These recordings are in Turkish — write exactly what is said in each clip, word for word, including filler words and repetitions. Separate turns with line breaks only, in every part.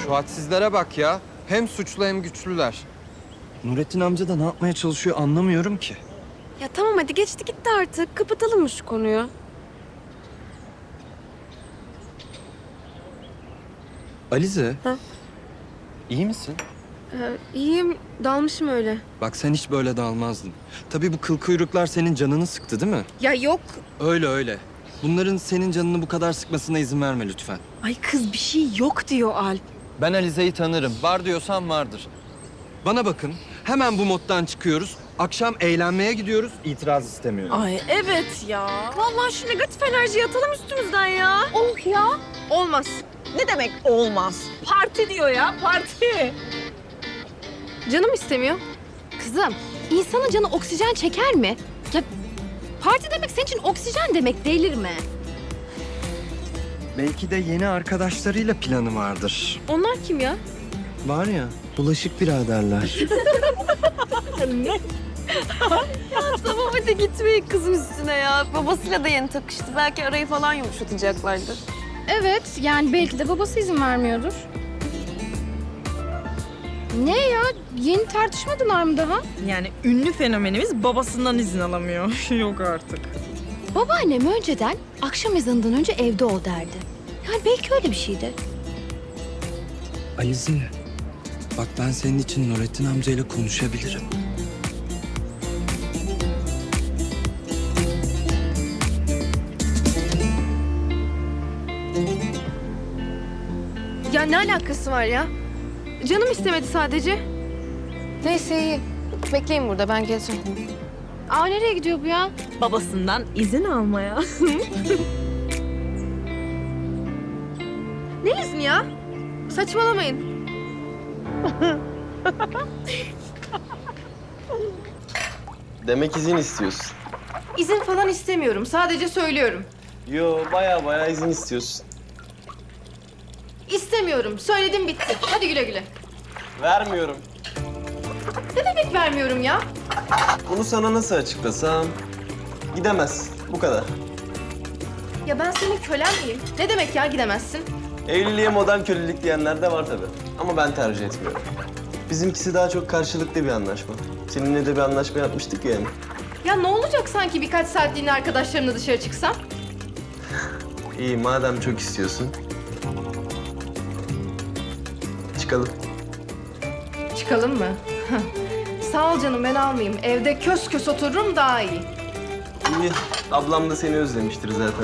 Şu hadsizlere bak ya. Hem suçlu hem güçlüler. Nurettin amca da ne yapmaya çalışıyor anlamıyorum ki.
Ya tamam hadi geçti gitti artık. Kapatalım mı şu konuyu?
Alize.
Ha?
İyi misin?
Ee, iyiyim. Dalmışım öyle.
Bak sen hiç böyle dalmazdın. Tabii bu kıl kuyruklar senin canını sıktı değil mi?
Ya yok.
Öyle öyle. Bunların senin canını bu kadar sıkmasına izin verme lütfen.
Ay kız bir şey yok diyor Alp.
Ben Alize'yi tanırım. Var diyorsan vardır. Bana bakın. Hemen bu moddan çıkıyoruz. Akşam eğlenmeye gidiyoruz. İtiraz istemiyorum.
Ay evet ya. Vallahi şu negatif enerjiyi atalım üstümüzden ya. Oh ya. Olmaz.
Ne demek olmaz? Parti diyor ya, parti.
Canım istemiyor.
Kızım, insanın canı oksijen çeker mi? Ya parti demek senin için oksijen demek, delirme.
Belki de yeni arkadaşlarıyla planı vardır.
Onlar kim ya?
Var ya, bulaşık biraderler.
Tamam hadi gitmeyin kızın üstüne ya. Babasıyla da yeni takıştı. Belki arayı falan yumuşatacaklardır.
Evet, yani belki de babası izin vermiyordur. Ne ya? Yeni tartışmadılar mı daha?
Yani ünlü fenomenimiz babasından izin alamıyor. Yok artık.
Babaannem önceden akşam ezanından önce evde ol derdi. Yani belki öyle bir şeydi.
Alize, bak ben senin için Nurettin amcayla konuşabilirim.
Ya ne alakası var ya? Canım istemedi sadece. Neyse iyi. Bekleyin burada ben geleceğim.
Aa nereye gidiyor bu ya?
Babasından izin almaya.
Ne izni ya? Saçmalamayın.
Demek izin istiyorsun.
İzin falan istemiyorum. Sadece söylüyorum.
Yo, baya baya izin istiyorsun.
İstemiyorum. Söyledim bitti. Hadi güle güle.
Vermiyorum.
Ne demek vermiyorum ya?
Bunu sana nasıl açıklasam? Gidemez. Bu kadar.
Ya ben senin kölen miyim? Ne demek ya gidemezsin?
Evliliğe modern kölelik diyenler de var tabii. Ama ben tercih etmiyorum. Bizimkisi daha çok karşılıklı bir anlaşma. Seninle de bir anlaşma yapmıştık ya yani.
Ya ne olacak sanki birkaç saatliğine arkadaşlarımla dışarı çıksam?
İyi, madem çok istiyorsun. Çıkalım.
Çıkalım mı? Sağ ol canım ben almayayım. Evde kös kös otururum daha iyi.
İyi, ablam da seni özlemiştir zaten.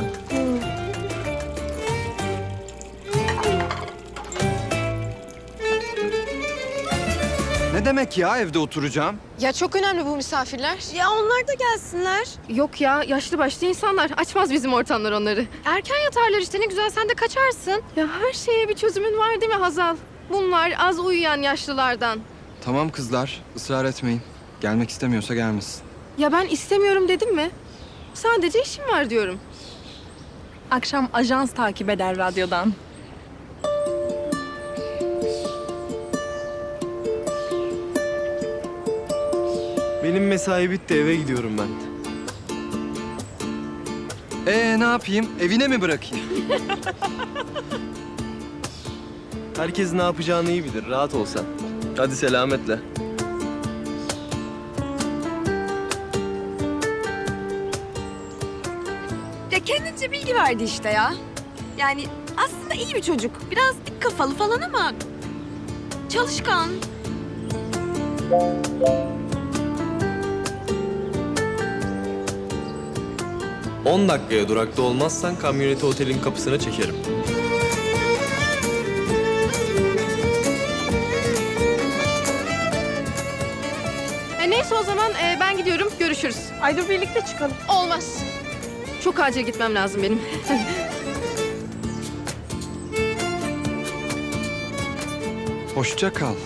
Ne demek ya evde oturacağım?
Ya çok önemli bu misafirler. Ya onlar da gelsinler. Yok ya yaşlı başlı insanlar. Açmaz bizim ortamlar onları.
Erken yatarlar işte ne güzel sen de kaçarsın.
Ya her şeye bir çözümün var değil mi Hazal? Bunlar az uyuyan yaşlılardan.
Tamam kızlar, ısrar etmeyin. Gelmek istemiyorsa gelmesin.
Ya ben istemiyorum dedim mi? Sadece işim var diyorum.
Akşam ajans takip eder radyodan.
Benim mesai bitti, eve gidiyorum ben.
Ee ne yapayım? Evine mi bırakayım?
Herkes ne yapacağını iyi bilir, rahat ol sen. Hadi selametle.
Ya kendince bilgi verdi işte ya. Yani aslında iyi bir çocuk. Biraz dik kafalı falan ama çalışkan.
on dakikaya durakta olmazsan kamyoneti otelin kapısına çekerim.
E neyse o zaman e, ben gidiyorum. Görüşürüz.
Ay dur birlikte çıkalım.
Olmaz. Çok acil gitmem lazım benim.
Hoşça kal.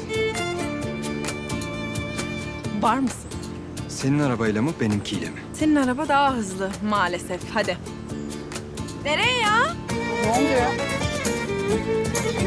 Var mısın?
Senin arabayla mı benimkiyle mi?
Senin araba daha hızlı maalesef. Hadi.
Nereye ya?
Ne oluyor?